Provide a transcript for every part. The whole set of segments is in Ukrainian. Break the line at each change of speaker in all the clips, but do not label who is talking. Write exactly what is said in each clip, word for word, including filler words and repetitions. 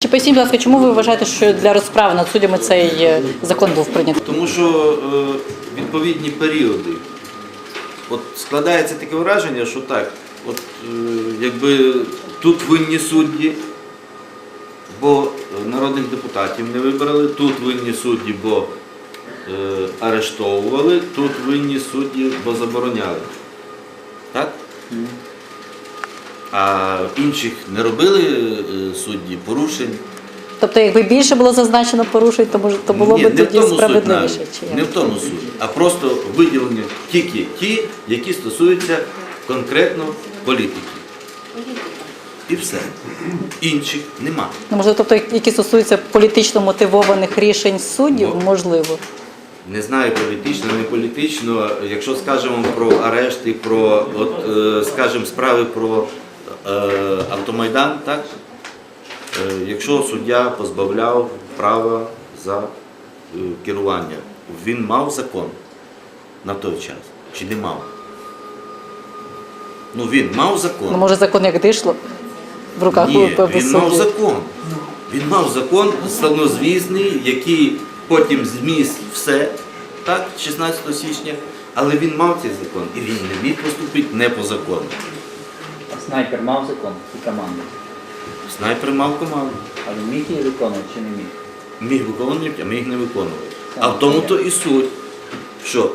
Чи поясніть, будь ласка, чому ви вважаєте, що для розправи над суддями цей закон був прийнятий?
Тому що е, відповідні періоди. От складається таке враження, що так, от е, якби тут винні судді, бо народних депутатів не вибрали, тут винні судді, бо е, арештовували, тут винні судді, бо забороняли. Так? Mm. А інших не робили е, судді порушень.
Тобто, якби більше було зазначено порушень, то, може, то було
Ні,
б тоді справедливіше?
Чи не в тому суть, а просто виділені тільки ті, які стосуються конкретно політики. І все. Інших нема.
Ну, можливо, тобто, які стосуються політично мотивованих рішень суддів,
Бо,
можливо.
Не знаю, політично, не політично. Якщо скажемо про арешти, про, от, е, скажемо, справи про е, автомайдан, так? Е, якщо суддя позбавляв права за е, керування, він мав закон на той час? Чи не мав? Ну, він мав закон.
Ну, може, закон як дишло в руках
Ні,
у
він мав закон. Він мав закон славнозвісний, який потім зміс все, так, шістнадцятого січня, але він мав цей закон, і він не міг поступити не по закону.
А снайпер мав закон і команду?
Снайпер мав команду.
А він міг її виконувати чи не міг?
Міг виконувати, а міг не виконувати. А в тому-то і суть, що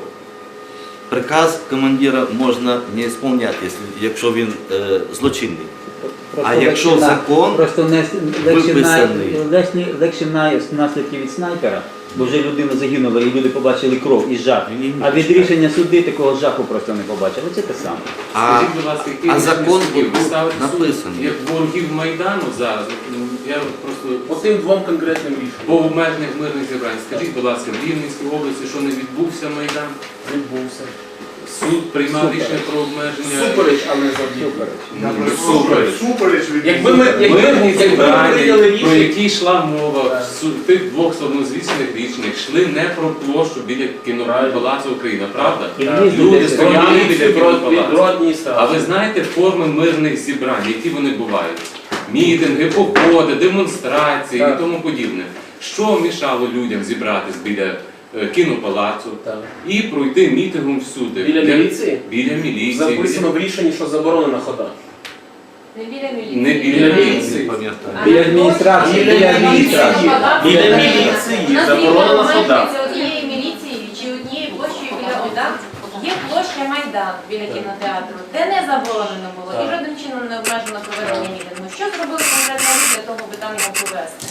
приказ командира можна не виконувати, якщо він е, злочинний.
Просто
А якщо
легше,
закон
просто не, легше,
виписаний.
легше, легше на наслідки від снайпера, бо вже людина загинула і люди побачили кров і жах.
Ні, ні,
А від рішення суди такого жаху просто не побачили. Це те саме.
А,
Скажіть, будь ласка, які
а закон
суддів ви ставите
написаний.
як ворогів Майдану зараз? Ну, я просто
По тим двом конкретним рішенням
по обмежених мирних зібрань. Скажіть, будь ласка, в Рівненській області, що не відбувся Майдан?
відбувся.
Суд приймав рішення про обмеження.
Супереч, але завдяки.
Ну, Супереч.
Супереч від
Якби ми, якби,
Мирні
якби ми
зібрання,
прийняли
про
рішення,
які йшла мова в су- тих двох славнозвісних рішеннях, йшли не про площу біля кінопалацу Україна, правда?
І
Так.
різні
Люди
десь
стояли
стояли
біля
від
кінопалацу.
адміністрації.
А ви знаєте форми мирних зібрань, які вони бувають? Мітинги, походи, демонстрації
Так.
і тому подібне. Що мішало людям зібратись біля е, кінопалацу
Так.
і пройти мітингом всюди?
Біля
Для-
міліції?
Біля міліції.
Записано в рішенні, що заборонена хода.
Не біля міліції.
Не біля
Біля
міліції.
Не пам'ятаю.
Біля адміністрації, біля адміністрації.
Біля міліції заборонена хода.
Це однієї міліції чи однієї площі біля ОДА є площа Майдан біля кінотеатру, де не заборонено було і жодним чином не обмежено проведення мітингу. Що зробили конкретно ви для того, аби там його провести?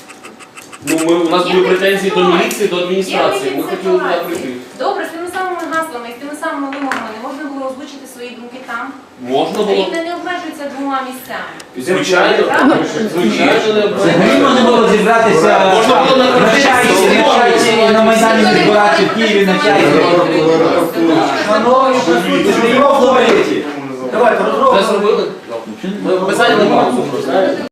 Ну, ми, у нас
Є
були претензії до
ситуація.
міліції, до адміністрації.
Є
Ми хотіли туди
ситуації.
прийти.
Добре, з тими самими гаслами і з тими самими вимогами не можна було озвучити свої думки там.
Можна було.
Рівне не обмежується двома місцями.
Звичайно.
Правда?
Звичайно, не
Взагалі можна було зібратися
Можна було на
на чайці, на чайці, на Майдані збиратися в Києві на чайці. Шановні присутні, прийом говорити. Давайте,
Це зробили? Ми писали на паузу.